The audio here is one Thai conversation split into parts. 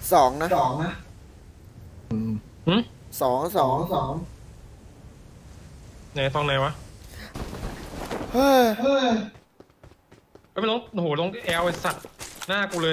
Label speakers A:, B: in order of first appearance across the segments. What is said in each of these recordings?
A: สองนะ
B: อืม
C: หึ
A: สอง
C: ไหนตรงไหนวะ
A: เฮ้ย
C: เอ้ยมันลงโอ้โหลงแอลไอสัตว์หน้ากูเลย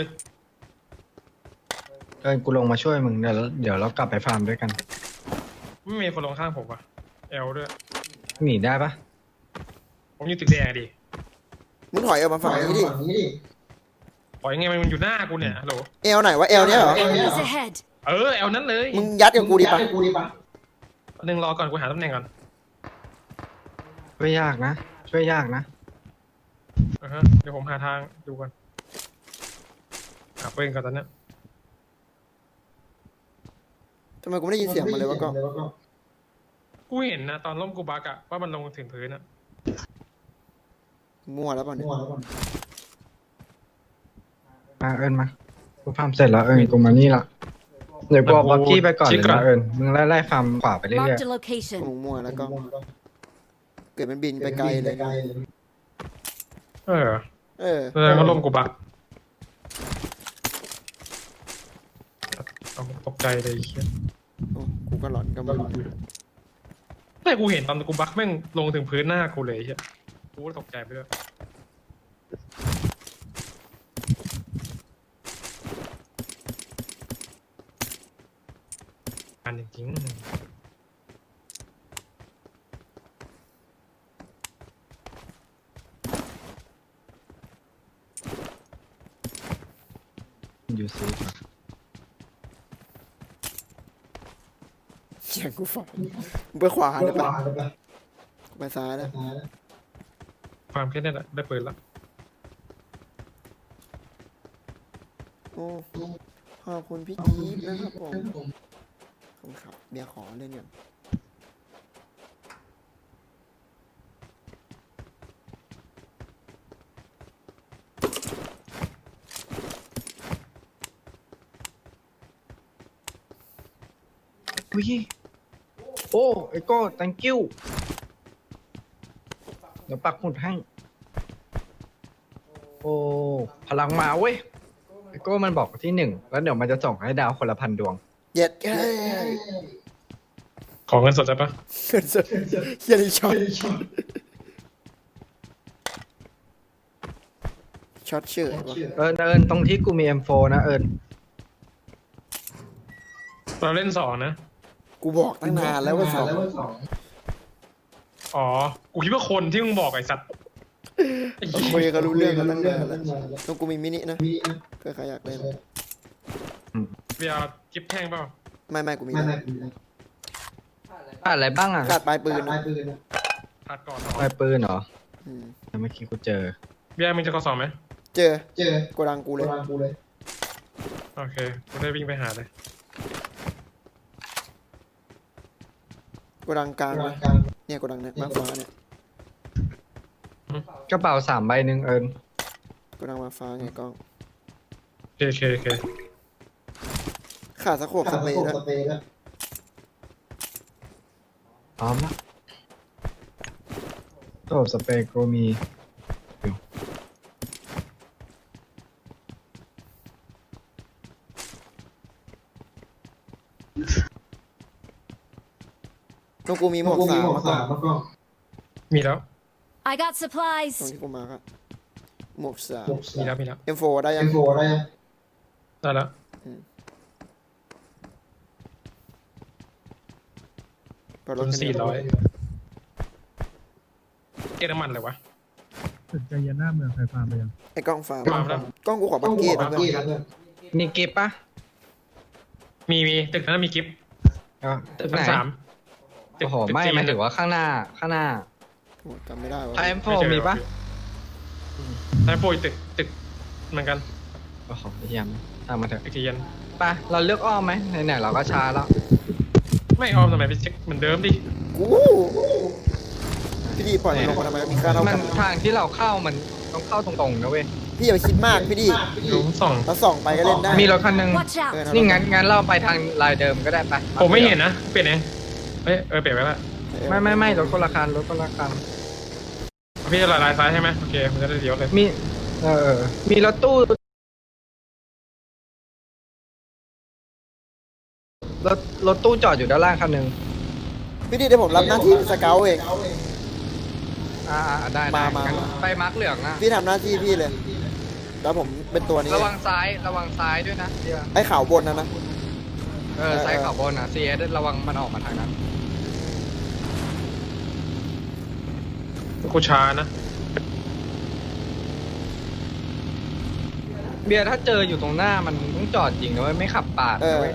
B: กูลงมาช่วยมึงเดี๋ยวเรากลับไปฟาร์มด้วยกัน
C: ไม่มีคนลงข้างผมว่ะแอลด้วย
B: หนีได้ปะ
C: ผมอยู่ตึกแดงอะดิ
A: มึงถอยออกมาฝั่งนี้ดิ
C: ปล่อยยังไงมันอยู่หน้ากูเนี่ยฮัลโหล
A: เอลไหนวะเอลเนี้ยเหรอ
D: Enemies ahead!
C: เออแอลนั้นเลย
A: มึงยัดกับกูดิปะ
C: หนึ่งรอก่อนกูหาตำแหน่งก่อน
B: ช่วยยากนะ ช่วยยากนะ
C: เดี๋ยวผมหาทางดูก่อนหาปืนก่อนตอนเนี้ย
A: ทำไมกูไม่ได้ยินเสียงมันเลยวะก็
C: กูเห็นนะตอนล้มกูบักอะว่ามันลงถึงพื้นอะ
A: มั่วแล้วป่ะเนี่ย
B: มาเอิญมากูฟาร์มเสร็จแล้วกูมานี่ละเดี๋ยวกูเอาบ็อกกี้ไปก่อนเลยนะมึงไล่ฟาร์มขวาไปเรื่อย
D: Marked a location.
A: มึงมั่วแล้วก็เกิดมันบินไปไกลเลย
C: เออ
A: เออ
C: แสดงว่าล้มกูบักเอาตกใจเลยไอ้เหี้ย
A: โอ้กูก็หลอนก็ไม่รู้
C: แต่กูเห็นตอนกูบักแม่งลงถึงพื้นหน้ากูเลยไอ้เหี้ยกูก็ตกใจไปด้วยอันจริง
B: ๆอยู่ซี
A: เสียงกูฝันมึงไปขวาได้ปะกูไปซ้ายแล้ว
C: ๆความแค่นั้นแหละได้ปืนละ
A: โอ้ขอบคุณพี่จี๊ดนะครับผมขอบคุณครับเบียร์ขอเล่นก่อน
B: อุ้ยโอ้ไอ้โก้ thank you เดี๋ยวปักหมุดให้ โอ้พลังมาเว้ยไอ้โก้มันบอกที่หนึ่งแล้วเดี๋ยวมันจะส่งให้ดาวคนละ1,000 ดวง
A: เย็ดแค่
C: ขอเงินสดได้ปะ
A: เกินจะเฮียนี่ช็อตช็อตเชื่อวะ
B: เอิญตรงที่กูมี M4 นะเอิญ
C: เราเล่นสองนะ
A: กูบอกตั้งนานแล้วว่าสอง
C: อ๋อ กูคิดว่าคนที่มึงบอกไอ้สัตว์ไอ้
A: คุย
C: เหี้ย
A: กันรู้เรื่องกันตั้งนานแล้วต้องกูมีมินินะเพื่อใครอยากเล่น
C: เบียร์กิฟแท่งเปล่า
A: ไม่กูมีแล้ว
B: ขาดอะไรบ้างอ่ะ
A: ขาดปลายปืนนะ
C: ขาดก่อนสอง
B: ปลายปืนเหรอ
A: อืม
B: เมื่อกี้กูเจอ
C: เบียร์มึงจะกอสองไหม
A: เจอโกดังกูเลย
C: โอเค กูได้วิ่งไปหาเลย
A: โกดังกลางนะเนี่ยโกดังเนี่ยมาฟ้าเนี่ย
B: กระเป๋า3 ใบหนึ่งเอิญ
A: โกดังมาฟ้าไงกล้อง
C: โอเค
A: ขาดสะโขบสเปรย์แล้ว
B: พร้อมละโต๊ะสเปรย์กูมีอยู่
A: ต้องกูมีหมวกสามมาก่อน
C: มีแล้ว
D: I got
A: ตรง
D: supplies.
A: ที่กูมาครับหมวกสาม
C: มีแล้ว
A: M4 ได้ยัง
C: ได้แล้ว
A: เปิดร
C: ต้
A: ถ
C: น
A: กัน
C: 400เก็บน้ำมันเลยวะ
E: ตึกใจเย็นหน้าเมืองไฟฟ้าไปยัง
A: ไอ้กล้องฟ้า
C: ฟาร์มแล้ว
A: กล้องกูขอบักเก็ตนะเพื่อน
B: มีกิฟต์ปะ
C: มีตึกนั้นมีกิฟ
B: ตึก
C: ชั้
B: ไห
C: น
B: น
C: 3
B: โอ้โหไม่หมายถึงว่าข้างหน้า
A: โอ้จำไม่ได้วะ
B: ไทม์โฟมีปะ
C: ไทม์โฟอีกตึกเหมือนกัน
B: โอ้โหเยี่ยมตามมาเถอะ
C: ตึกที่เย็น
B: ไปเราเลือกอ้อมไหมไหนๆเราก็ช้าแล้ว
C: ไม่ออมทำไมไปเช็คเหมือนเดิมดิ
A: กูพี่ดีปล่อยมันลงมาทำไมมีค่าเท่า
B: มั
A: กัน น
B: ทางที่เราเข้ามันต้องเข้าตรงๆนะเว้ย
A: พี่อย่าไปคิดมากพี่ดี
C: ดูส่อง
A: เราส่องไปก็เล่นได้
B: มีรถคันหนึง
D: Watch out!
A: เออ
B: นี่งั้นเราไปทางลายเดิมก็ได้ไป
C: ผมไม่เห็นนะ เปลี่ยนเองเปลี่ยนไปแล้ว
B: ไม่รถคนละคันรถคนละคัน
C: พี่จะลายซ้ายใช่ไหมโอเคมันจะได้เลี้ยวเลย
B: มีมีรถตู้รถตู้จอดอยู่ด้านล่างคันหนึ่ง
A: พี่ดีเดี๋ยวผมรับหน้าที่สเกลเอง
B: ได้
A: มา
B: งั้นไปมาร์กเหลืองนะ
A: พี่ทำหน้าที่พี่เลย แล้วผมเป็นตัวนี้
B: ระวังซ้ายด้วยนะเดี๋ยว
A: ไอ้ขาวบนนะ
B: ซ้ายขอบนนะ CS ระวังมันออกมาทางนั้น
C: กูช้านะ
B: เบียร์ถ้าเจออยู่ตรงหน้ามันต้องจอดจริงนะเว้ยไม่ขับปาดนะเว้ย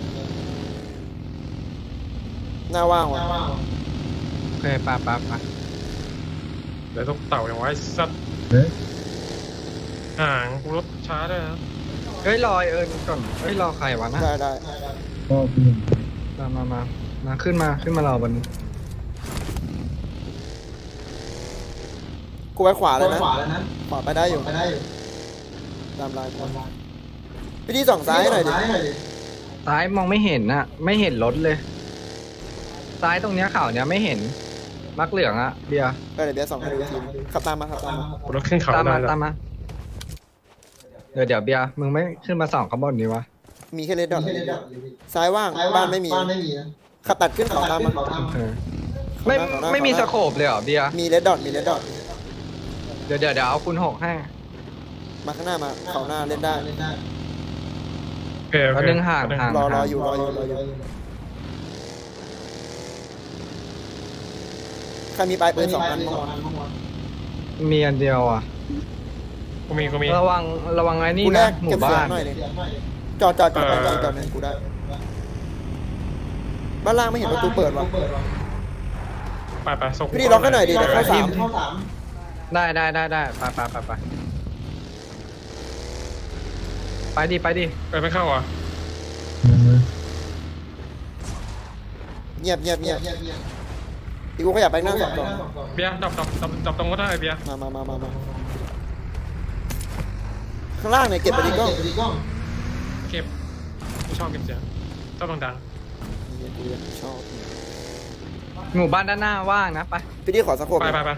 A: หน้าว่างว่ะ
B: โอเคปา
C: เดี๋ยวต้องเต่าอย่างไว้สัตว์
E: เฮ้ย
C: ห่างกูรถช้าด้วยนะ
B: เฮ้ยรอก่อนเฮ้ยรอใครวะนะ
A: ได้
E: ก็เพื่อน
B: มาขึ้นมารอบน
A: กูไปขวาเลยนะ ขวาไปได้อยู่ ตามลายคนพี่ดีส่องซ้ายให้หน่อยดิ
B: ซ้ายมองไม่เห็นน่ะ ไม่เห็นรถเลย ซ้ายตรงเนี้ยข่าวเนี้ยไม่เห็นมักเหลืองอะเบียร์
A: ก็เดี๋ยวเบียร์ส่องให้ดูทีขับตามมา
C: กูรถขึ้นเขา
B: ตาม
C: ได้
B: มา
C: แล้ว
B: ตามมาเดี๋ยวเบียร์มึงไม่ขึ้นมาส่องข้างบนนี้วะ
A: มีแค่เลดดอทซ้ายว่าง บ้านไม่มีขับตัดขึ้นเขาตามมา
B: เออไม่มีสโคปเลยเหรอเบียร์
A: มีเลดดอท
B: เดี๋ยวเอาคุณ6ให้
A: มาข้างหน้ามาเขาหน้าเล่นได้
C: โอเคโอ
B: แล้ว
C: เค
B: ดึงห่าง
A: รออยู่ ใครมีปลายปืน2 อันบ้างวะ
B: มีอันเดียวอ่ะ
C: กูมี
B: ระวังไอ้นี่
A: กูแล
B: นะ
A: ก
B: หมู่
A: เก็บเสีย
B: บ้าง น
A: หน่อยเลยจอดหนึ่งกูได้ บ้านล่างไม่เห็นประตูเปิดวะ
C: ไปส่ง
A: พี่ดีล็อกให้หน่อยดิเดี๋ยวเข้าสาม
B: ได้ไปดิ
C: ไปไม่เข้าอ่ะ
E: ยังเลย
A: เงียบพี่กูขยับไปนั่ง2
C: เบียร์ดับตรงก็ได้เบียร์
A: มาข้างล่างเนี่ยเก็บไปดิกล้อง
C: เก็บกูชอบเก็บเสียงชอบดัง
A: ชอบ
B: หมู่บ้านด้านหน้าว่างนะไป
A: พี่ดีขอสักโค
C: ๆ
A: บ
C: ไป
B: มา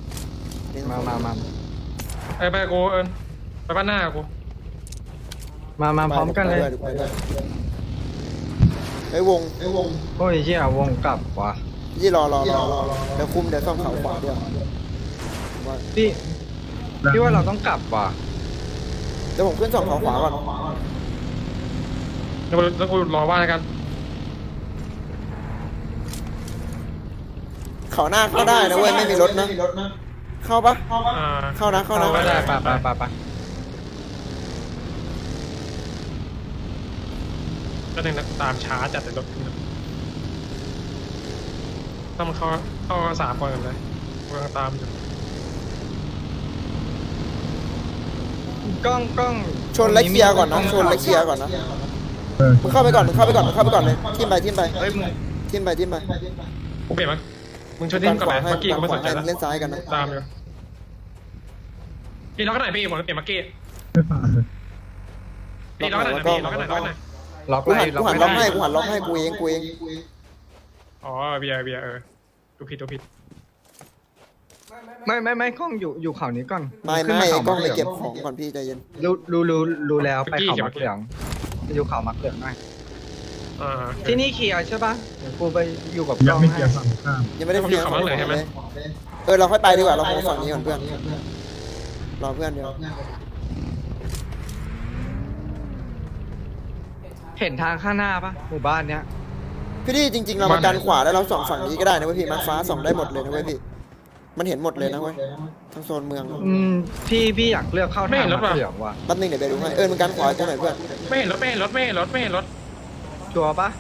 C: ไปกูไปบ้านหน้ากู
B: มาพร้อมกันเลย
A: ไอ้วง
B: โอ้ยเหี้ยวงกลับว่ะ
A: ยี่รอเดี๋ยวคุมเดี๋ยวซ่อมเขาขวาด้วย
B: พี่ว่าเราต้องกลับว่ะ
A: เดี๋ยวผมขึ้น2เขาขวาก่อน
C: แล้วกูรอว่ากัน
A: เขาหน้าเข้าได้นะเว้ยไม่มีรถนะ เข้าปะ เข้านะ
B: ไม่ได้ไป
C: ก็หนึ่งนะตามช้าจัดแต่รถต้องเข้า3 คนกันเลยกูกำลังตามอยู่
B: กล้อง
A: ชนและเคลียร์ก่อนนะมึงเข้าไปก่อนเลยทิมไป
B: เฮ้ยมึง
A: ทิมไป
C: กูเปลี่ยนมั้ยมึงช่วยดิ้นก่อนไหมเมื่อกี้กูไม่สนใจ
A: ให้
C: แล้ว
A: เล่นซ้ายกันนะ
C: ตามอยู่พี่ล็อกกันไหนพี่ผมเปลี่ยนเมื่อกี้
E: ไม่ผ่านเลย
C: พี่ล็อกกันไหนพี่ล็อกกันไหน
B: ล็อก
A: กู
B: ไล่
A: หันล็อกให้กูเอง
C: อ๋อเบียร์ดูผิด
B: ไม่กล้องอยู่เขานี้ก่อน
A: ไม่
B: ขึ้นาเขา
A: กล้องไป
B: มัหลื
A: เก็บของก่อนพี่ใจเย็น
B: รู้แล้วไปเขามักเหลืองไปอยู่เขามักเหลืองหน่อยที่นี่เคลียร์ใช่ปะเดี๋ยวกูไปอยู่กับก
E: ยั
B: ล้
E: ง
B: อง
E: ไม่เกี
B: ให้
E: ยร์ฝั่งข้าม
A: ยังไม่ได้เคลียร์ของเลยเราค่อยไปดีกว่าเราคงฝั่งนี้ก่อนเพื่อนรอเพื่อนเดียว
B: เห็นทางข้างหน้าปะหมู่บ้านเนี้ย
A: พี่ดีจริงๆเรามากันขวาแล้วเราส่องฝั่งนี้ก็ได้นะเว้ยพี่มาร์คฟ้าส่องได้หมดเลยนะเว้ยพี่มันเห็นหมดเลยนะเว้ยทั้งโซนเมือง
B: พี่อยากเลือกเข้าทางมักเหลืองว่ะ
A: แป๊บนึงเดี๋ยวไปดูให้มันกันขวาตรงไหนเพื่อน
C: ไม่เห็นรถ
B: ชัวร์ปะ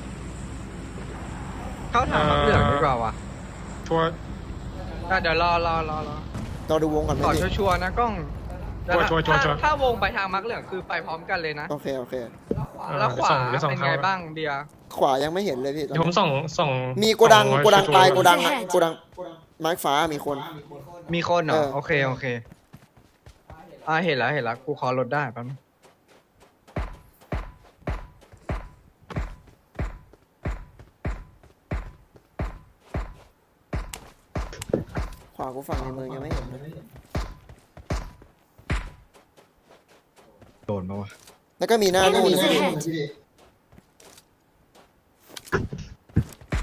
B: เข้าทางมักเหลืองดีกว่าว่ะ
C: ชัวร์
B: เดี๋ยวรอ
A: เราดูวงก่อนไหม
B: ขอ
A: พี่
B: ชัวร์ๆนะกล้อง
C: ชัวร์
B: ถ้าวงไปทางมักเหลืองคือไปพร้อมกันเลยนะ
A: โอเค
B: แล้วขวา
C: เดี๋ยวส่ง
B: เป็นไงบ้างเบียร์
A: ขวายังไม่เห็นเลยพี่
C: เดี๋ยวผมส่ง
A: มีโกดังตายโกดังมาร์คฟ้ามีคน
B: มีคนเหรอ
A: เออ
B: โอเคเห็นแล้วกูขอรถได้แป๊บนึง
A: ขวากูฝั่งในเมืองยังไม่เห็นเลย
B: โดนปะวะ
A: แล้วก็มีหน้านู่นนะพี่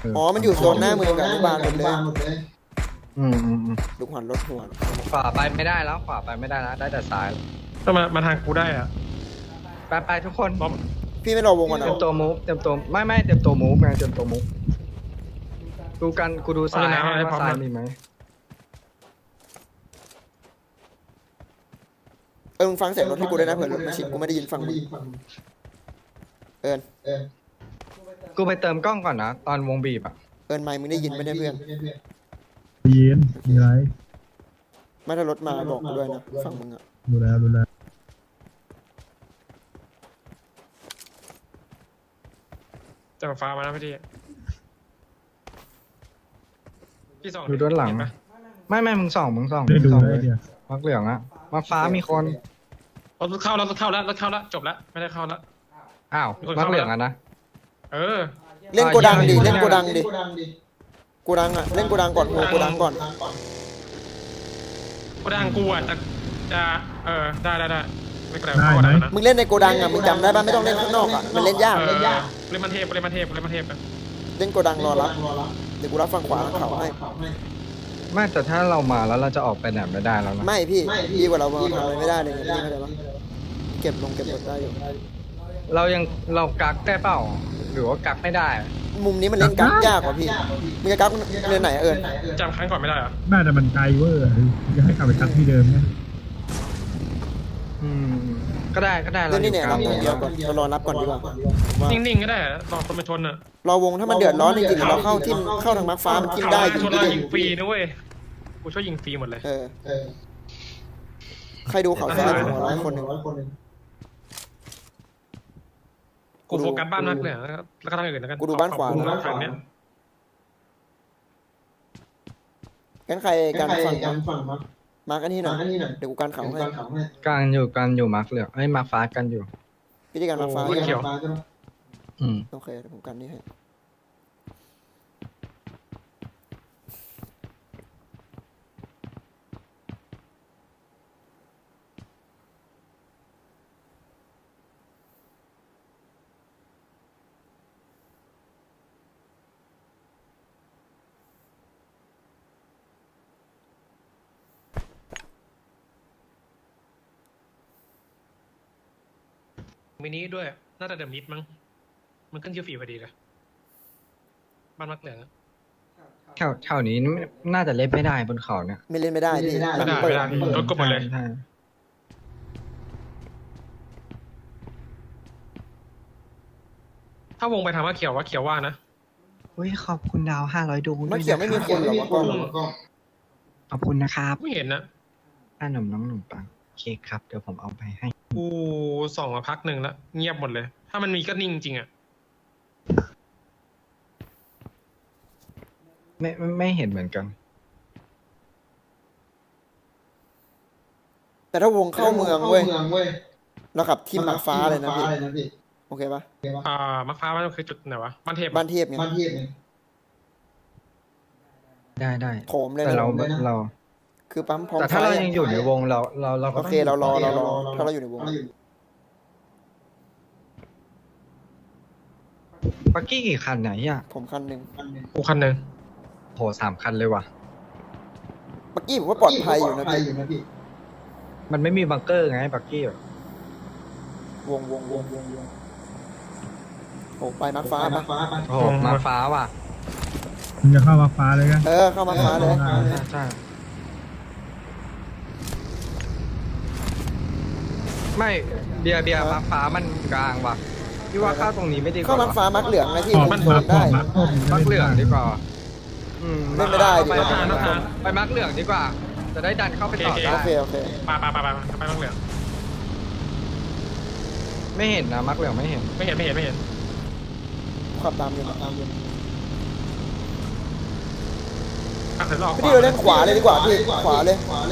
A: อ๋อมันอยู่โซนหน้าเมืองกับอนุบาลหมดเลย
B: อืม
A: ลูกหันรถหัว
B: ขวาไปไม่ได้แล้วขวาไปไม่ได้แล้วได้แต่ซ้าย
C: ต้องมาทางกูได้อะ
B: ไปทุกคน
C: บอม
A: พี่ไม่รอวงก่อน
B: เต
A: นะ
B: รียมตัวมูฟเตรียมตัวไม่เตรียมตัวมูฟไงเตรียมตัวมูฟดูกันกูดูซ้ายให้ว่าซ้ายมีไหม
A: มึงฟังเสียงรถให้กูด้วยนะเผื่อรถมาชิดกูไม่ได้ยินฟังมึงเอิญ
B: กูไปเติมกล้องก่อนนะตอนวงบีบอ่ะ
A: เอิญไมค์มึงได้ยินไหมเนี่ยเพื่อน
E: เย็นมีไร
A: ไม่ถ้ารถมาบอกกูด้วยนะฟังมึงอะ
E: ดูแล
C: จะมาฟ้ามาแล้วพี่ส่อง
B: ดูด้านหลัง
C: เนปะ
B: ไม่มึงส่อง
E: ได้ดู
B: ส่อง
E: ได้เดียว
B: มักเหลืองอะมักฟ้ามีคน
C: รถเข้าแล้วจบแล้วไม่ได้เข้าแล้ว
B: อ้าว
C: มีคน
B: มั
C: เข้า
B: กเหลืองอะนะ
C: เออ
A: เล่นโกดังดิ
B: อ่ะ
A: เล่นโกดังดิโกดังอะเล่นโกดังก่อนโกดังก่อน
C: กูดังกูอ่ะจะได้ไม่เป็นไรเข้าได้นะ
A: มึงเล่นในโกดังอะมึงจำได้ป่ะไม่ต้องเล่นข้างนอกอะมันเล่นยาก
C: เล่นมันเทพกัน
A: เล่นโกดังรอรับเดี๋ยวกูรับฟังขวาเขาให้
B: ไม่แต่ถ้าเรามาแล้วเราจะออกไปไหนไม่ได้แล้วนะ
A: ไม่พี่ดีกว่าเราทำอะไรไม่ได้เลยพี่เข้าใจปะเก็บรถได้อยู่
B: เรากักได้เปล่าหรือว่ากักไม่ได้
A: มุมนี้มันเล่นกักยากกว่าพี่มึงจะกักเล่นไหนอะเอิญ
C: จำครั้งก่อนไม่ได้เหรอ
E: น่าจะมันไกลเวอร์จะให้กลับไปคัดที่เดิมเนี่ย
B: อืมก็ได้
A: เล่นนี่เนี่ยรับอย่างเดียวก่อนเรารอรับก่อนดีกว่าว่า
C: นิ่งๆก็ได้รอคนมาชนอ่ะ
A: รอวงถ้ามันเดือดร้อนจริงๆเราเข้าทางมาร์คฟ้ามันทิ่มได้อยู่
C: ชน
A: พี่
C: เรายิงฟรีนะเว้ยกูช่วยยิงฟรีหมดเลย
A: ใครดูเขาซ้ายหัวร้อยคนหนึ่ง
C: กูโฟกัสบ้านมากเลยแล้วก็ทางอื่นแล้วกัน
A: กูดูบ้านขวา
C: กูฝั่งเนี้ย
A: กันใครกันฝั่งมากันที่หน่อยเดี๋ยวกูกันเขาให้
B: กันอยู่มักเหลืองมักฟ้ากันอยู่
A: พิธีการมาฟ้า
C: เขียว
B: อืม
A: โอเคเดี๋ยวผมกันนี่ให้
C: มินิด้วยน่าจะเดอะมิดมั้งมันขึ้นคิวฟรีพอดีเลยบ้านมักเหลือง
B: แถวนี้น่าจะเล่นไม่ได้บนเขาเนี่ย
A: ไม่เล่นไม่ได้พี่
C: ไม่ได้รถกบหมดเลย
B: ใช่
C: ถ้าวงไปทางว่าเขียวว่านะ
B: อุ้ยขอบคุณดาว500 ดวง
A: มาเขียวไม่มีคนหรอวะก็
B: ขอบคุณนะครับ
C: ไม่เห็นนะ
B: น้องหนุ่มปังโอเคครับเดี๋ยวผมเอาไปให้
C: กูส่องมาพักหนึ่งแล้วเงียบหมดเลย ถ้ามันมีก็นิ่งจริงอ่ะ
B: ไม่เห็นเหมือนกัน
A: แต่ถ้าวงเข้าเมืองเว้ยเราขับทีมหมากฟ้าเลยนะพี่โอเคปะ
C: มะพร้าวมันคือจุดไหนวะบ้านเทพ
A: บ้านเทียบไง
B: ได้
A: โถมเลย
B: แต่
A: นะ
B: เรา
A: คือปั๊มพร้อม
B: แต่ถ้าเรายังอยู่ในวงเราก็
A: โอเคเรารอถ้าเราอยู่ในวง
B: ปักกี้กี่คันไหนอ่ะ
A: ผมคันหนึ่ง
C: กูคันหนึ่ง
B: โห3 คันเลยว่ะ
A: เมื่อกี้ผมว่าปลอดภัยอยู่นะพี่
B: มันไม่มีบังเกอร์ไงปักกี้อะ
A: วงโอ้ไปมาร์คฟ้าปะ
B: โอ้โหมาฟ้าว่ะ
E: มึงจะเข้ามาฟ้าเลยกัน
A: เข้ามาร์คฟ้าเลย
B: ใช่ไม่เบียร์มาฟ้ามันกลางว่ะพี่ว่าเข้าตรงนี้ไม่ดีก
A: เข้า
B: ว่า
A: มาร์คฟ้ามาร์คเหลืองนะพี่
E: ขอบ
A: มัน
E: มา
A: ได้
B: มักเหลืองดีกว่า
A: เล่นไม่ได้ดิ
B: ไปมักเหลืองดีกว่า จะได้ดันเข้าไปต่อได้
A: โอเค
C: ไปไปบ้างเหลือง
B: ไม่เห็นนะมักเหลืองไม่เห็น
C: ไม่เห็น
A: ขับตามอยู่
C: เดี๋ยวรอ
A: พี่เราเล่นขวาเลยดีกว่าพี่ขวาเลย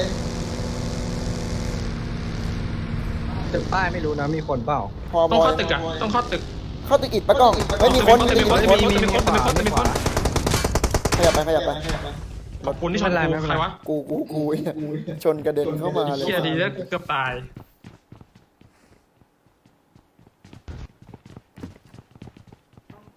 B: ตึกป้ายไม่รู้นะมีคนเปล่า
A: พอ
C: ต้อง
A: บอ
C: เข้าย ตึกอ่ะต้องเข้าตึก
A: เข้าตึกอิดปะกล้องไม่มีคน
C: มีคน
A: ขยับไป
C: ขอบคุณที่ชนกูใครวะ
A: กูชนกระเด็นเข้ามาเลย
C: เฮียดีแล้วเกือบตาย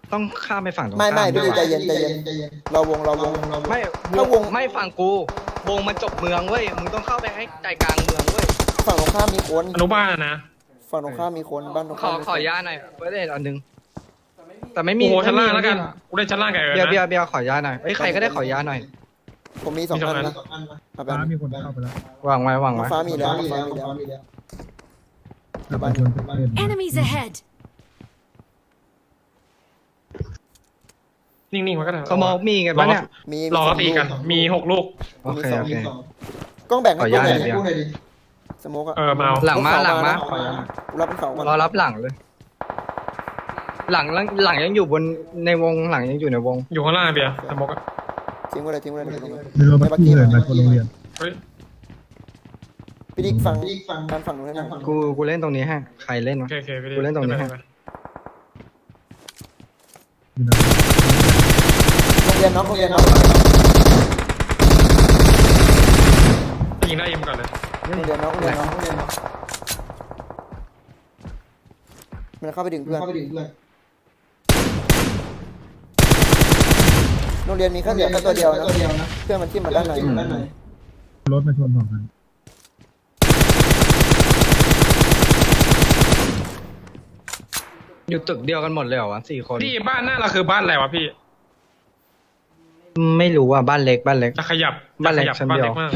B: ต้องข้ามไปฝั่งตรง
A: ไม่
B: ข้าม
A: พี่
B: ด้วย
A: ใจ
B: วะ
A: เย็นใจเย็นเราวง
B: ไม่
A: ถ้าวง
B: ไม่ฝั่งกูวงมันจบเมืองเว้ยมึงต้องเข้าไปให้ใจกลางเมืองเว้ย
A: ฝั่งตรงข้ามมีคน
C: อนุบาลนะ
A: ฝั่งตรงข้ามมีคนบ้านตรง
B: ข
A: ข้า
B: อ
A: มมี
B: ขอยาหน่อยเว้ยอันนึงแต่ไม่มี
C: โอ้โหชั้นล่าง
B: ไม่มี
C: แล้วกันกูเล่นชั้นล่างกับเอิร์
B: เบียร์
C: นะ
B: เบียร์ขอยาหน่อยเอ้ยใครก็ได้ขอยาหน่อย
A: ผมมีสอง
C: มีสอง
A: อัน
C: อัน
A: นะเอาไป
E: ฟ้ามีคนเข้าไปแล้ว
B: วางไว้วาง
A: น้อง
B: ไว้
A: ฟ้ามีแล้วน้องฟ้ามีแล้ว
E: แต่บางคนเป็นเล่น
D: Enemies ahead!
C: นิ่งๆมันก็ได้
B: สมองมีกันปะเนี่ย
A: มี
C: รอ
A: สอง
C: ตีกัน มี 6 ลูก
B: โอเคโอเค
A: กล้องแบ่งให้
B: ขอ
A: กู
B: อนุ
A: ห
B: ญา
A: น่
B: ต
A: อย
B: หน่อย
A: ดิสโมกอะ
C: มาเอา
B: หลังมาหลังมา
A: กูรับเป็นเขาก่อน
B: รอรับหลังเลย หลังยังอยู่บนในวงหลังยังอยู่ในวง
C: อยู่ข้างล่างเบียร์สมกอะ
A: ทิ้งไว้เลยทิ้งไว้เลยทิ้งไว้เลย
E: ในรถบัสกี้เลยมาคนโรงเรียน
C: เฮ้ย
A: พี่ดิ๊กฟังการฝั่งนู้นให้หน่อย
B: กูเล่นตรงนี้ให้ใครเล่น
C: โอ
B: วะ
C: เคโอเคพี่ดิ
B: กูเล่นตรงนี้ให้
E: อยู่นะ
A: โรงเรียนน้องโรงเรียนน้อง
C: ยิงได้ยิงก่อนเลย
A: โรงเรียนน้องโรงเรียนน้องมันเข้าไปดึงเพื่อนโรงเรียนมีแค่เหลือแค่ตัวเดียวนะเพื่อนมันทิ่มมาด้านใน
E: รถมาชนสองคัน
B: อยู่ตึกเดียวกันหมดเลยเหรอวะ4 คน
C: พี่บ้านหน้าเราคือบ้านอะไรวะพี่
B: ไม่รู้อ่ะบ้านเล็ก
C: จะขยับ
B: บ้านเล็ก
C: จะขยั
B: ชั้น
C: บ้าน
B: เดียว
C: เล็กมาก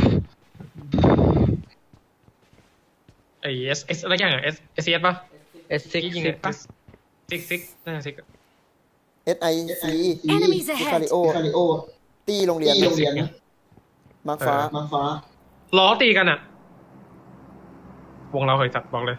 C: ไอเอสอะไรอย่างเอสเอสป่ะ
B: S6
C: ยิง
B: ปะ
C: ซิกน่าจะซิก
A: SIC
D: Enemies ahead
A: คาริโอตีโรงเรียนมาร์คฟ้า
C: ล้อตีกันอะวงเราเคยจัดบอกเลย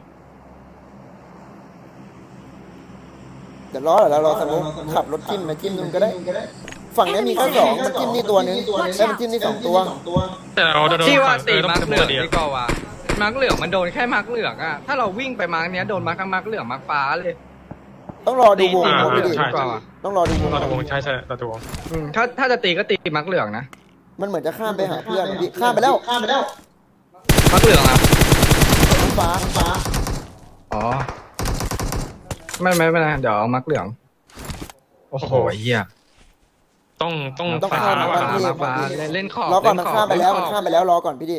A: เดี๋ยวรอเหรอเราสมมติขับรถจิ้มไปจิ้มนู่นก็ได้ ฝั่งนี้มีแค่สองมันจิ้มนี่ตัวนึงแล้วมันจิ้มนี่2 ตัว
C: แต่เราจะโดน
B: ที่ว่าตี
C: ต้อง
B: มาร์ก
C: เป็น
B: เหลือง
C: ดี
B: ดีกว่าว่ะมาร์กเหลืองมันโดนแค่มาร์กเหลืองอ่ะถ้าเราวิ่งไปมาร์กเนี้ยโดนมาร์กทั้งมาร์กเหลืองมาร์กฟ้าเลย
A: ต้องรอดูวง
B: ตี
A: พี่ดิ
B: ดีกว่าว่ะ
A: ต้องรอดูวง
C: เราจะวงใช่เราจะวง
B: ถ้าจะตีก็ตีมาร์กเหลืองนะ
A: มันเหมือนจะข้ามไปหาเพื่อนพี่ข้ามไปแล้ว
B: มาร์กเหลืองอ่ะ
A: น้องฟ้า
B: อ๋อไม่เดี๋ยวเอามาร์กเหลืองโอ้โหเหี้ย
C: ต้อง
B: ฟ้า
C: ฟ้า
B: ว่ะ
C: ว่ะ
B: มาร์กฟ้าเล่นขอบ
A: รอก่อนมัน
B: เล่
A: ข้ามไปแล้ว
B: เล่
A: มัน
B: ขอบ
A: ข้ามไปแล้วรอก่อนพี่ดิ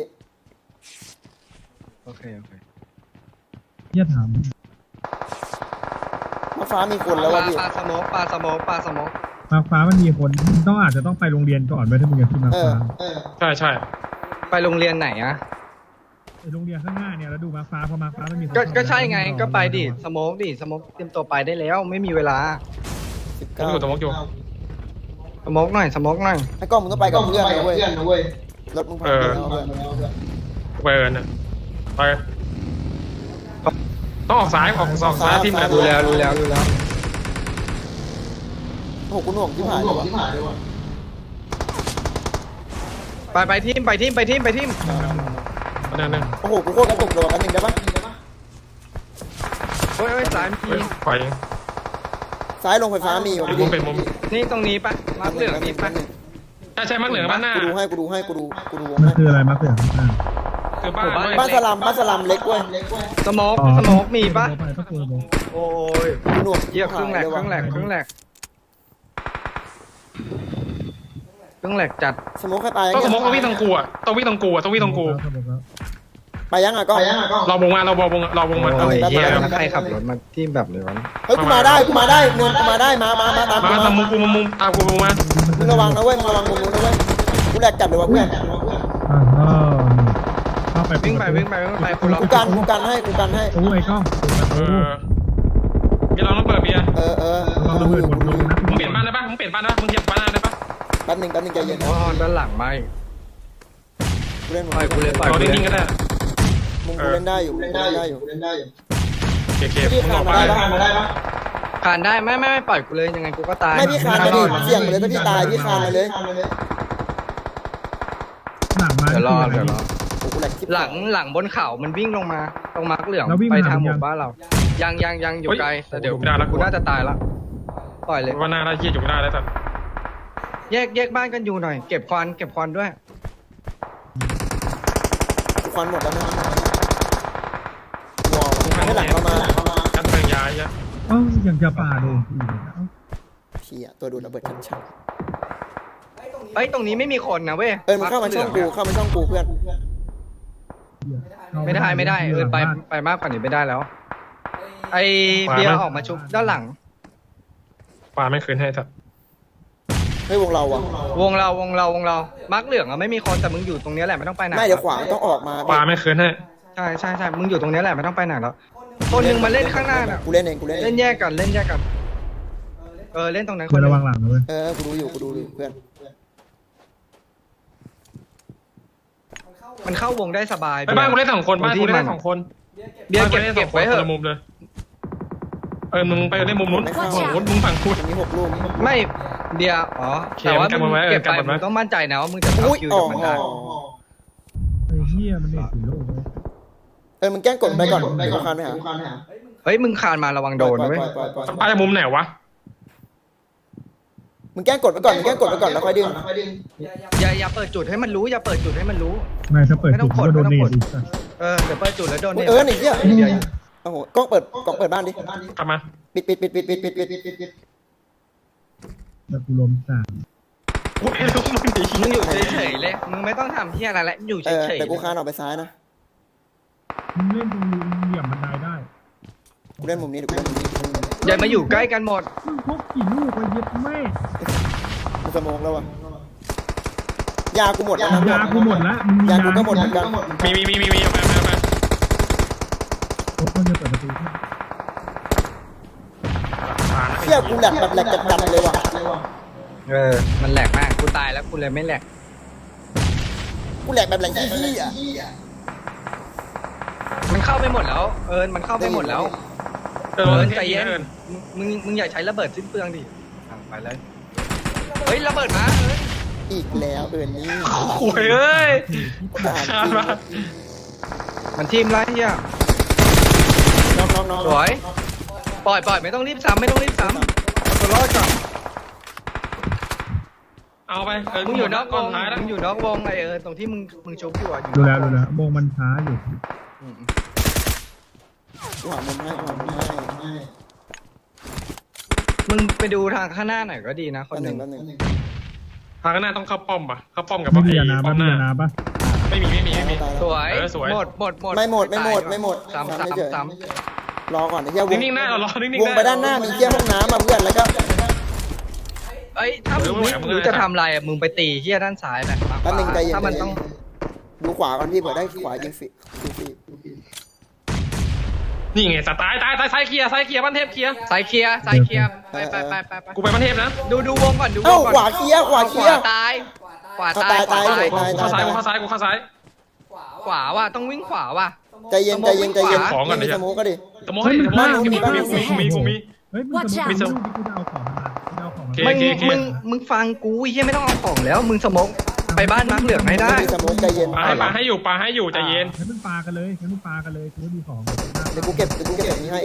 B: โอเค
E: เที่ยถาม
A: น้องฟ้ามีคนแล้ว
B: ป
A: วะ
B: ลา
A: พี่
B: สโมก
E: มาร์คฟ้ามันมีคนอาจจะต้องไปโรงเรียนก่อนไปถ้ามึงจะขึ้นมาร์คฟ้า
C: ใช่
B: ไปโรงเรียนไหนอะ
E: ไอโรงเรียนข้างหน้าเนี่ยแล้วดูมาร์คฟ้าพอมาร์คฟ้ามันมีคน
B: ก็ใช่ไงก็ไปดิสโมกเตรียมตัวไปได้แล้วไม่มีเวลา
C: ผมอยู่ตรงมกอยู่
B: สโมกหน่อย
A: ไอ้กล้องมึงต้องไปกับเพื่อนนะเว้ยรถมึงพังไปแล้วเพื่อน
C: เวิร์นอะไปต้องออกซ้ายออกซ้ายที่มัน
B: รู้แล้ว
A: โอ้โหกูหน่วงที่ผ่านเลยว่ะ
B: ไปทีม
C: นั่น
A: โอ้โหกูโคตรกระตุกเลยว่ะแป๊บนึงได้ปะ
B: โอ้ยสายพี
C: ปล่อย
A: ซ้ายลงไฟฟ้ามีว่ะพี่
C: มุ
A: ดิ
C: มเป็นมุม
B: นี่ตรงนี้ปะมาร์คเหลืองนี่ปะ
C: ใช่มักเหลืองบ้านหน้า
A: กูดูวง
E: มัน
A: ให้
E: คืออะไรมาร์คเหลืองข้างหน้า
C: คือบ้าน
A: บ้านสลัมเล็กเว้ย
B: สโมกมีปะ
E: ต้องกูสโมก
B: โอ้ย
A: กูหน่วง
B: เยี่ยครึ่งแหลกจัด
A: สโมกให้ไป
C: ต้องสมมติต้องวิ่งตรงกูอะต้องวิ่งตรงกู
E: สโมกแล้ว
A: ไปยังอ่ะก็
C: เราวงมา
B: โอ้ยเยี่ยแล้วใครขับรถมาที่แบบเลยวะ
A: เฮ้ยกูมาได้เนินกูมาได้มาตามกู
C: มา
A: มา
C: ตามมุมกูมุมตามกูมา
A: มึงระวังนะเว้ยมึงระวังมุมนู้นนะเว้ยกูแหลกจับเลยว่ะเพื่อน
E: เข้าไป
B: วิ่งไปคุณล็อก
A: กูกันให้
E: โอ้ยกล้อง
C: มีเราต้องเปิดเบียร์
A: เออ
E: ระเบิดหมดลงนะ
C: มึงเปลี่ยนบ้านได้ปะมึงเปลี่ยนบ้านได้ปะมึงเทียบบ้านได้ปะ
A: แป๊บนึงใจเย็น
B: อ๋อด้านหลังไม่
A: กูเล่น
B: ปล่อยกูเลย
C: เรานิ่งๆก็ได้
A: มึงกูเล่นได้อยู่
C: เก็บ
A: พี่
C: มึง
A: ขา
C: อ
A: ด
C: อก
A: มา
C: ไป
A: ได้ปะ
B: คานได้ไม่ปล่อยกูเลยยังไงกูก็ตาย
A: ไม่พี่คานมาดิเสี่ยงไปเลยถ้าพี่ตายพี่คานมาเลย
E: หลังมา
B: เดี๋ยวรอ
A: โอ้กูแหลกชิบ
B: หลังบนเขามันวิ่งลงมาตรงมาร์กเหลือง
E: แล้ววิ่ง
B: ไป
E: มา
B: ทางห
E: ยั
B: มู่
E: ง
B: บ้านเรายังอยู่ไกลแต่เดี๋ยวกูน่าจะตายละปล่อยเลย
C: ว่าหน้าได้เยี่ยอยู่ไม่ได้แล้วแต่
B: แยกบ้านกันอยู่หน่อยเก็บควันด้วย
A: ควันหมดแล้วนะวอลให้หลังเข้ามา
C: กันเมืองย้ายเยอะ
E: เอ้ายังจะป่าโดน
A: เฮียตัวดูดระเบิดชัด
B: เฮ้ยตรงนี้ไม่มีคนนะเว้ย
A: ๆมึงเข้ามาช่องกูเข้ามาช่องกูเพื่อน
B: ไม่ได้ไปมากกว่านี้ไม่ได้แล้ว ไอเบียร์ออกมาชุบด้านหลัง
C: ปลาไม่คืนให้สัก
A: เฮ้ยวงเราอะ
B: วงเรามาร์กเหลืองอะไม่มีคนแต่มึงอยู่ตรงเนี้ยแหละไม่ต้องไปไหน
A: ไม่เดี๋ยวขวาต้องออกมา
C: ปลาไม่คืนให้
B: ใช่มึงอยู่ตรงเนี้ยแหละไม่ต้องไปไหนแล้วคนหนึ่งมาเล่นข้างหน้าน่ะ
A: กูเล่นเอง
B: เล่นแยกกันเล่นตรงนั้นค
E: เพื่อน
B: น
E: ระวังหลังนะเว้ย
A: กูดูอยู่เพื่อน
B: มันเข้าวงได้สบาย
C: ไปบ้านกูได้2 คนบ้านกูได้2 คน
B: เบียร์เก็บไว้เถ
C: คน
B: อะ
C: ละมุมเลยมึงไปเล่นมุมนู้นมึงฝั่งกู
A: มันมี6 ลูก
B: ไม่เบียร์อ๋อ
C: เค
B: แต่ว่า
C: กันหมดไหม
B: มึงเก็บ
C: กัน
B: ไป
C: หมดไหม
B: มึงต้องมั่นใจนะว่ามึงจะเอา
A: อุ้ย
B: คิว
A: อ๋อ
B: จากมันได้
E: ไอ้เหี้ยมันเด็กสีโลกเลย
A: มึงแกล้งกดไปก่อนกูคานไปหา
B: เฮ้ยมึงคานมาระวังโดนนะเว้ย
A: ปล่อย
C: ปลาจากมุมไหนวะ
A: มึงแกล้งกดไปก่อนแล้วค่อยดึง
B: อย่าเปิดจุดให้มันรู้อย่าเปิดจุดให้มันรู้
E: ไม่ถ้าเปิดจุดก็โดนเนตอีกสัส
B: เดี๋ยวเปิดจุดแล้วโดนเนี่ย
A: หนีเหี้ยโอ้โหกล้องเปิดบ้านดิ
C: กลับมา
A: ปิด
E: แล้วกูล้มสาม
C: กูไม่รู้มึงดี
B: มึงอยู่เฉยๆเลยมึงไม่ต้องทำเหี้ยอะไรแล้วอยู่เฉยๆ
A: แต่กูคานออกไปซ้ายนะ
E: มึงเล่นตรงนี้มึงเหยียบบันไดได้
A: กูเล่นมุมนี้ดิกูเล่นมุมนี้
B: อย่ามาอยู่ใกล้กันหมด
E: มึงพกกี่ลูกไปเย็บแม่
A: กูสมองแล้ววะยากูหมดแล้วนะ
E: ยากูหมดละมึง
A: ยากูก็หมดเหมือนกัน
C: มีเอามา
E: พกมันจะเปิดประตูขึ้น
A: เชี่ยกูแหลกแบบแหลกจัดเลยว่ะ
B: มันแหลกมากกูตายแล้วกูเลยไม่แหลก
A: กูแหลกแบบแหลกขี้อ่ะ
B: มันเข้าไปหมดแล้วมันเข้าไปหมดแล้วใจเย็นมึงอย่าใช้ระเบิดสิ้นเปลืองดิไปเลยเฮ้ยระเบิดมา
A: อีกแล้วนี่
C: โอ้ยเอ้ย คานมา
B: มันทีมไรเฮีย
A: น้อง
B: สวยปล่อยไม่ต้องรีบซ้ำเอาตัวรอดก่อน
C: เอาไป
B: มึงอยู่นอกวง
C: ท้ายแล้ว
B: มึงอยู่นอกวงไอตรงที่มึงชุบอยู่อ่ะ
E: ดูแล้ววงมันช้าอยู่
A: กูหามุมให้
B: มึงไปดูทางข้างหน้าหน่อยก็ดีนะคนหนึ่ง
A: แป๊บนึง
C: ทางข้างหน้าต้องเข้าป้อมป่ะเข้าป้อมกับ
E: ไม่
C: ไอ้
E: มียานา
C: ป้อมห
E: มี
C: น้า
E: ยานาปะ
C: ไม่มี
B: สวย
C: สวย
B: หมด
A: ไม่หมด
B: ซ้ำ
A: รอก่อนไอ้เหี้ยวง
C: นิ่งๆหน้าเรารอนิ่งๆ
A: วงไปด้านหน้ามีเหี้ยห้องน้ำมาเพื่อนแล้วก็
B: เอ้ยถ้ามึงไม่รู้จะทำอะไรอ่ะมึงไปตีเฮียด้านซ้ายแบบถ้ามันต้อง
A: ดูขวาก่อนพี่เผื่อได้ขวายิงฟรี
C: นี่ไงสตายตายซ้ายเคลียร์บ้านเทพเคลียร์
B: สายเคลียร์ไป
C: กูไปบ้านเทพนะ
B: ดูวงก่อนดูว
A: เอ้าง
B: ก่อน
A: ขวาเคลียร์
B: ตายขวา
A: ตาย
C: กูเข้าซ้าย
B: ขวาว่ะต้องวิ่งขวาว่ะ
A: ใจเย็น
C: ของก่อนดิ
A: มีสโมกก็ดิ
C: สมมติกูมี
E: เฮ้ยมึงจะมึงลูกที่กูจะเอาของมาจะเอาของมา
B: มึงฟังกูเฮียไม่ต้องเอาของแล้วมึงสมองไปบ้านมักเหลืองให้ได้
A: มีสโมกใจเย็น
C: ปลาให้อยู่ใจเย็น
E: ให้มึงปากันเลยกูมีของ
A: เดี๋ยวกูเก็บแบบนี้ให้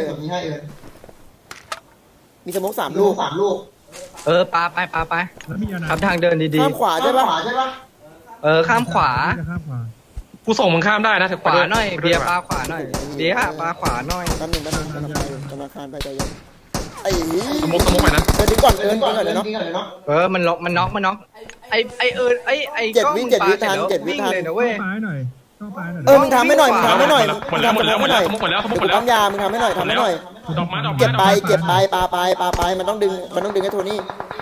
A: มีสโมก3 ลูก
B: ปาไป
E: แล้วมียานา
B: ทำทางเดินดี
A: ข้ามขวาใช่ปะ
B: ๆข้ามขวา
E: ข้ามขวา
C: กูส่งมึงข้ามได้นะถึง
B: ขวาหน่อยเบียร์ปาขวาหน่อยเบียร์ปาขวาหน่อย
A: แป๊บนึงธนาคารไปใจเย็นไอ้
C: สมมติไปนะ
A: ดึงก่อนเดี๋ยวเนาะ
B: มันน็อกไอ้กล้องปาเสร็จแล้ววิ่งเลยนะเว้ย
E: ปาหน่อยต้องปาหน่อย
A: มึงทำให้หน่อย
C: หมดแล้ว
A: มึงปั๊มยามึงทำให้หน่อย
C: ดอกไม้
A: เก็บไปปามันต้องดึงให้โทนี่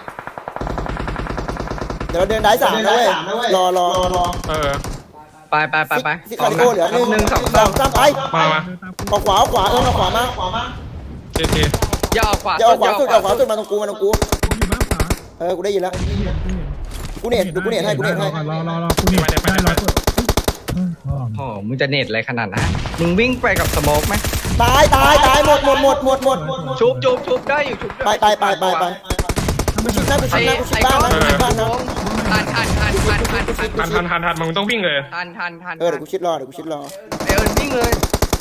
A: เดี๋ยวเราเดินได้3นะเว้ยรอ
B: ไป
A: ซิคาริโอเหลือ1 2 3ไป
C: มา
E: เดินตาม
A: ออกขวาเอาขวามา
C: เท
B: อย่าออกขวา
A: อย่าออกขวาสุดมาตรงกู
E: กูอยู่บ้านขวา
A: กูได้ยินแล้วกูเน็ตให้
E: รอกูเน็ตได้100ตัว
B: โอ้มึงจะเน็ตอะไรขนาดนั้นมึงวิ่งไปกับสโมกไหม
A: ตายหมด
B: ชุบได้อยู่ชุบ
A: ไป
E: ถ้าไม่เดิน
A: น่ากูชิดบ้านนะ
B: ทัน
C: มึงต้องวิ่งเลย
B: ทัน
A: เดี๋ยวกูชิดรอ
B: วิ่งเลย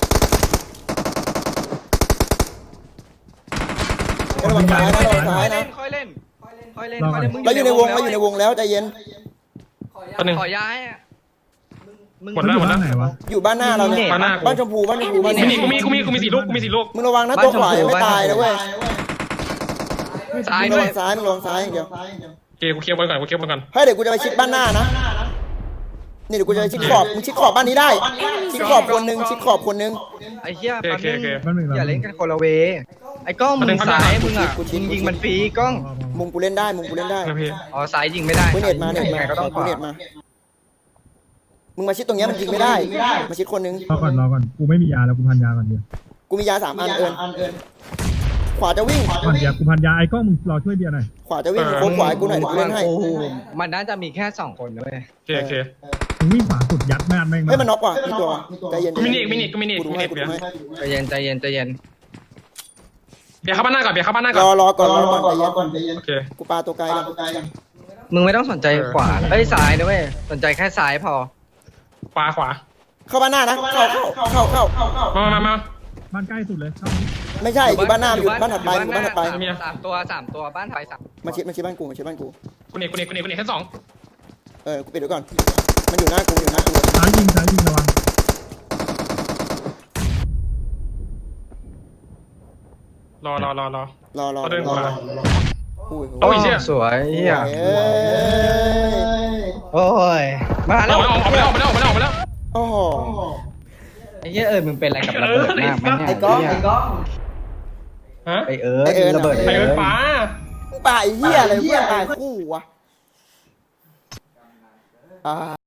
A: ระวังซ้ายนะ
B: ค่อยเล่น
A: เราอยู่ในวงแล้วใจเย็น
C: ตอนนึง
B: ขอย้ายมึง
C: หมดแล้ว
E: ไหนวะ
A: อยู่บ้านหน้าเราเนี่ยบ้านชมพู
C: กูมี4 ลูก
A: มึงระวังนะตัวขวายังไม่ตายนะเว้ย
B: ซ้าย
A: มึง
B: ด้
A: ระ
B: วย
A: วังซ้ายมึงระวังซ้ายอย่างเดียว
C: โอเคกูเคลียร์บอลก่อนกูเคลียร์บอลก่อน
A: เฮ้ยเดี๋ยวกูจะไปชิดบ้านหน้านะนี่เดี๋ยวกูจะไปชิดขอบมึงชิดขอบบ้านนี้ได้ชิดขอบคนนึงชิดขอบคนนึง
B: ไอ้เหี้ย
C: โอเคโอเค
E: มันหนึ่ง
B: อย่าเล่นกันคนละเวไอ้กล้องมึงซ้ายมึงอ่ะมึงยิงมันฟรีกล้อง
A: มุมกูเล่นได้มุมกูเล่นได้
C: นะพี่
B: อ๋อซ้ายยิงไม่ได้
A: กูเน็ตมาเน็ต
B: ยัง
A: มา
B: ไงก็ต้องข
A: กู
B: วา
A: เน็ตมามึงมาชิดตรงเนี้ยมันยิงไม่ได้มาชิดคนนึง
E: รอก่อนกูไม่มียาแล้วกูพันยาก่อนเดียว
A: กูมียา3 อันเอิญขวาจะวิ่ง
E: พันยากูพันยาไอ้กล้องมึงรอช่วยเบียร์หน่อย
A: ขวาจะวิ่งโค้งขวาให้กูหน่อยเดี๋ยวกูเล่นให้
B: โอ้โหมันน่าจะมีแค่2คนนะเว้ย
C: โอเคโอเค
E: มึงวิ่งขวาสุดยัดแม่นแม่ง
A: เฮ้ยมันน็อกว่ะมีตัวใจเย็น
C: กูมินิกูมินิ
A: กูดูให้กูดูให้
B: ใจเย็นใจเย็นใจเย็น
C: เบียร์เข้าบ้านหน้าก่อนเบียร์เข้าบ้านหน้าร ก่อน
A: อก่อนใจเย็น
C: โอเค
A: กูปาตัวไกลกัน
B: มึงไม่ต้องสนใจขวาเอ้ยซ้ายนะเว้ยสนใจแค่ซ้ายพอ
C: ขวาขวา
A: เข้าบ้านหน้านะเข้า
C: มา
E: บ้านใกล้สุดเลยเข้า
A: ไม่ใช่อยู่บ้านหน้าอยู่บ้านถัดไปอยู่บ้านถัดไป
B: สามตัวบ้านไทยสาม
A: มาชิดบ้านกูมาชิดบ้านกู
C: กูเน็ตชั้น 2
A: กูปิดไว้ก่อนมันอยู่หน้ากูอยู่หน้ากู
E: ซ้ายยิงระวัง
C: รอ
A: รอ
C: เขาเดินขวา
A: อุ้ย
C: โอ้ยเชี่ย
B: สวยเหี้ย
A: เอ้ย
B: โอ้ยมา
C: อ
B: แล้ว
C: อกไปแล้ว
A: โอ้โห
B: ไอ้เหี้ยมึงเป็นอะไรกับระเบิดมากไหมเนี่ย
A: ไอ้ก้อง
C: ฮะ
B: ไอ้ระเบิด
C: ไอ้เอิร์ธฟ้า
A: ป่าไอ้เหี้ยอะไรเหี้ยตายคู่วะ